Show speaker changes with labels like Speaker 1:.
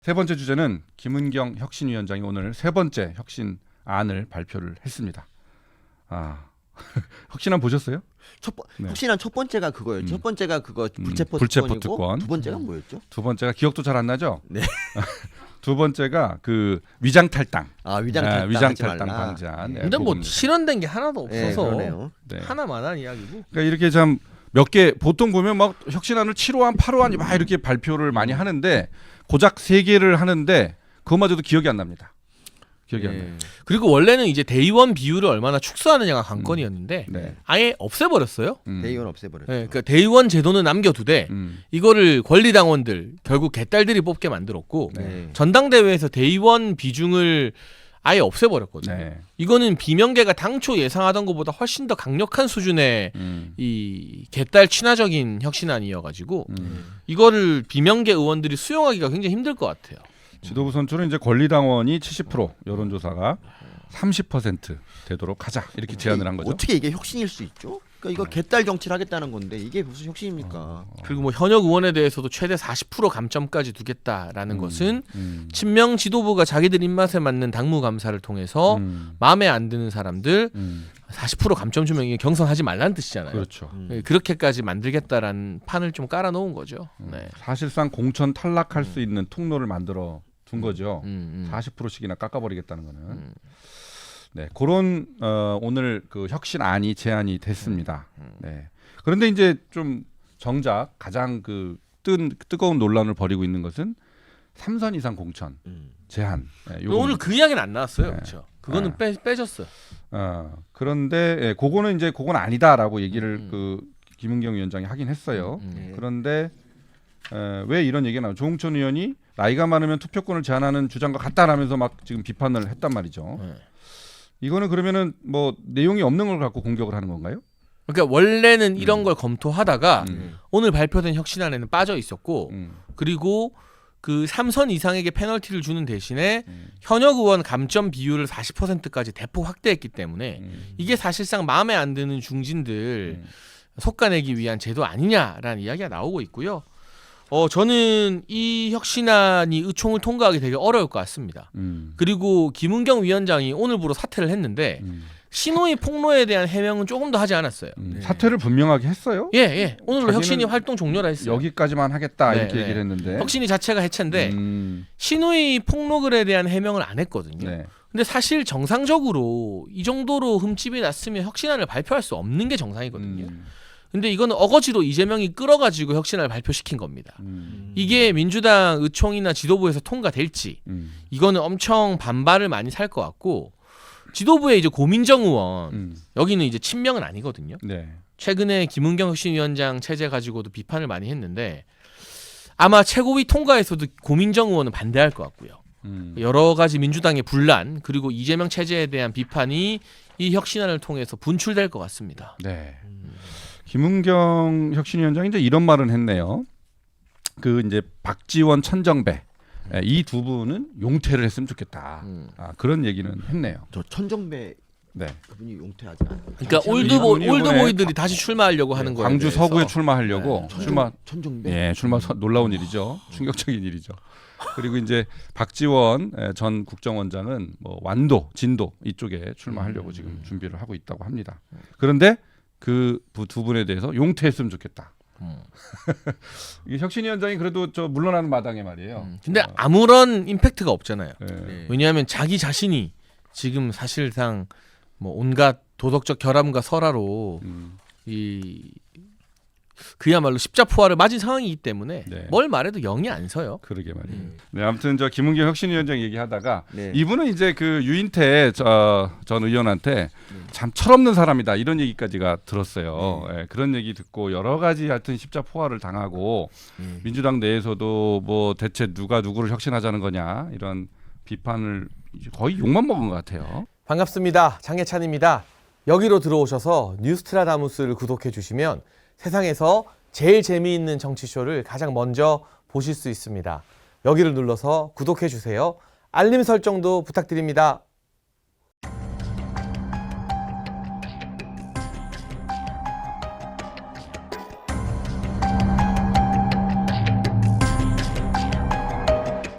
Speaker 1: 세 번째 주제는 김은경 혁신위원장이 오늘 세 번째 혁신안을 발표를 했습니다. 혁신안 보셨어요? 네.
Speaker 2: 혁신안 첫 번째가 그거였죠. 첫 번째가 그거 불체포
Speaker 1: 특권.
Speaker 2: 두 번째가 뭐였죠?
Speaker 1: 두 번째가 기억도 잘 안 나죠?
Speaker 2: 네.
Speaker 1: 두 번째가 그 위장 탈당.
Speaker 2: 위장
Speaker 1: 탈당 방지안.
Speaker 3: 근데 뭐 실현된 게 하나도 없어서
Speaker 1: 네.
Speaker 3: 하나만한 이야기고.
Speaker 1: 그러니까 이렇게 참 몇 개 보통 보면 막 혁신안을 7호안, 8호안 막 이렇게 발표를 많이 하는데 고작 3개를 하는데 그것마저도 기억이 안 납니다. 기억이 안 나요.
Speaker 3: 그리고 원래는 이제 대의원 비율을 얼마나 축소하느냐가 관건이었는데
Speaker 1: 네.
Speaker 3: 아예 없애버렸어요.
Speaker 2: 대의원 없애버렸죠.
Speaker 3: 네, 그러니까 대의원 제도는 남겨두되 이거를 권리당원들 결국 개딸들이 뽑게 만들었고
Speaker 2: 네.
Speaker 3: 전당대회에서 대의원 비중을 아예 없애버렸거든요.
Speaker 1: 네.
Speaker 3: 이거는 비명계가 당초 예상하던 것보다 훨씬 더 강력한 수준의
Speaker 1: 음.
Speaker 3: 이 개딸 친화적인 혁신안이어가지고 이거를 비명계 의원들이 수용하기가 굉장히 힘들 것 같아요.
Speaker 1: 지도부 선출은 이제 권리당원이 70%, 여론조사가 30% 되도록 하자 이렇게 제안을 한 거죠.
Speaker 2: 어떻게 이게 혁신일 수 있죠? 그러니까 이거 개딸 정치를 하겠다는 건데 이게 무슨 혁신입니까?
Speaker 3: 그리고 뭐 현역 의원에 대해서도 최대 40% 감점까지 두겠다라는 것은 친명 지도부가 자기들 입맛에 맞는 당무 감사를 통해서 마음에 안 드는 사람들 40% 감점 주면 이게 경선하지 말라는 뜻이잖아요.
Speaker 1: 그렇죠.
Speaker 3: 그렇게까지 만들겠다라는 판을 좀 깔아놓은 거죠. 네.
Speaker 1: 사실상 공천 탈락할 수 있는 통로를 만들어 둔 거죠. 40%씩이나 깎아버리겠다는 거는. 네, 그런 오늘 그 혁신안이 제안이 됐습니다. 네. 그런데 이제 좀 정작 가장 그 뜨거운 논란을 벌이고 있는 것은 3선 이상 공천 제한. 네,
Speaker 3: 오늘 그 이야기는 안 나왔어요.
Speaker 1: 네.
Speaker 3: 그렇죠. 그거는 빼졌어요.
Speaker 1: 그런데 그거는 이제 그건 아니다라고 얘기를 그 김은경 위원장이 하긴 했어요. 그런데 왜 이런 얘기가 나와요? 조홍천 의원이 나이가 많으면 투표권을 제한하는 주장과 같다라면서 막 지금 비판을 했단 말이죠.
Speaker 3: 네.
Speaker 1: 이거는 그러면은 뭐 내용이 없는 걸 갖고 공격을 하는 건가요?
Speaker 3: 그러니까 원래는 이런 걸 검토하다가 오늘 발표된 혁신안에는 빠져 있었고 그리고 그 3선 이상에게 페널티를 주는 대신에 현역 의원 감점 비율을 40%까지 대폭 확대했기 때문에 이게 사실상 마음에 안 드는 중진들 솎아내기 위한 제도 아니냐라는 이야기가 나오고 있고요. 저는 이 혁신안이 의총을 통과하기 되게 어려울 것 같습니다. 그리고 김은경 위원장이 오늘부로 사퇴를 했는데 신호위 폭로에 대한 해명은 조금 더 하지 않았어요.
Speaker 1: 사퇴를 분명하게 했어요.
Speaker 3: 예. 오늘로
Speaker 1: 자기는
Speaker 3: 혁신이 활동 종료라 했어요.
Speaker 1: 여기까지만 하겠다 이렇게
Speaker 3: 네.
Speaker 1: 얘기를 했는데
Speaker 3: 혁신이 자체가 해체인데 신호위 폭로글에 대한 해명을 안 했거든요.
Speaker 1: 네.
Speaker 3: 근데 사실 정상적으로 이 정도로 흠집이 났으면 혁신안을 발표할 수 없는 게 정상이거든요. 근데 이거는 어거지로 이재명이 끌어가지고 혁신안을 발표시킨 겁니다. 이게 민주당 의총이나 지도부에서 통과될지 이거는 엄청 반발을 많이 살 것 같고 지도부의 이제 고민정 의원 여기는 이제 친명은 아니거든요.
Speaker 1: 네.
Speaker 3: 최근에 김은경 혁신위원장 체제 가지고도 비판을 많이 했는데 아마 최고위 통과에서도 고민정 의원은 반대할 것 같고요. 여러 가지 민주당의 분란 그리고 이재명 체제에 대한 비판이 이 혁신안을 통해서 분출될 것 같습니다.
Speaker 1: 네. 김은경 혁신위원장이 이제 이런 말은 했네요. 그 이제 박지원, 천정배 이 두 분은 용퇴를 했으면 좋겠다. 그런 얘기는 했네요.
Speaker 2: 저 천정배
Speaker 1: 네.
Speaker 2: 그분이 용퇴하지 않아요.
Speaker 3: 그러니까
Speaker 1: 이분이
Speaker 3: 올드보이들이 다시 출마하려고 하는 거예요.
Speaker 1: 광주 서구에 출마하려고
Speaker 2: 천정배.
Speaker 1: 출마 놀라운 일이죠. 충격적인 일이죠. 그리고 이제 박지원 전 국정원장은 뭐 완도, 진도 이쪽에 출마하려고 지금 준비를 하고 있다고 합니다. 그런데 그 두 분에 대해서 용퇴했으면 좋겠다. 이 혁신위원장이 그래도 물러나는 마당에 말이에요.
Speaker 3: 근데 아무런 임팩트가 없잖아요.
Speaker 1: 네.
Speaker 3: 왜냐하면 자기 자신이 지금 사실상 뭐 온갖 도덕적 결함과 설화로 이 그야말로 십자포화를 맞은 상황이기 때문에
Speaker 1: 네.
Speaker 3: 뭘 말해도 영이 안 서요.
Speaker 1: 그러게 말이에요. 네, 아무튼 김은경 혁신위원장 얘기하다가
Speaker 2: 네.
Speaker 1: 이분은 이제 그 유인태 전 의원한테 참 철없는 사람이다 이런 얘기까지가 들었어요. 예, 그런 얘기 듣고 여러 가지 하여튼 십자포화를 당하고 민주당 내에서도 뭐 대체 누가 누구를 혁신하자는 거냐 이런 비판을 거의 욕만 먹은 것 같아요.
Speaker 3: 반갑습니다. 장혜찬입니다. 여기로 들어오셔서 뉴스트라다무스를 구독해 주시면 세상에서 제일 재미있는 정치쇼를 가장 먼저 보실 수 있습니다. 여기를 눌러서 구독해 주세요. 알림 설정도 부탁드립니다.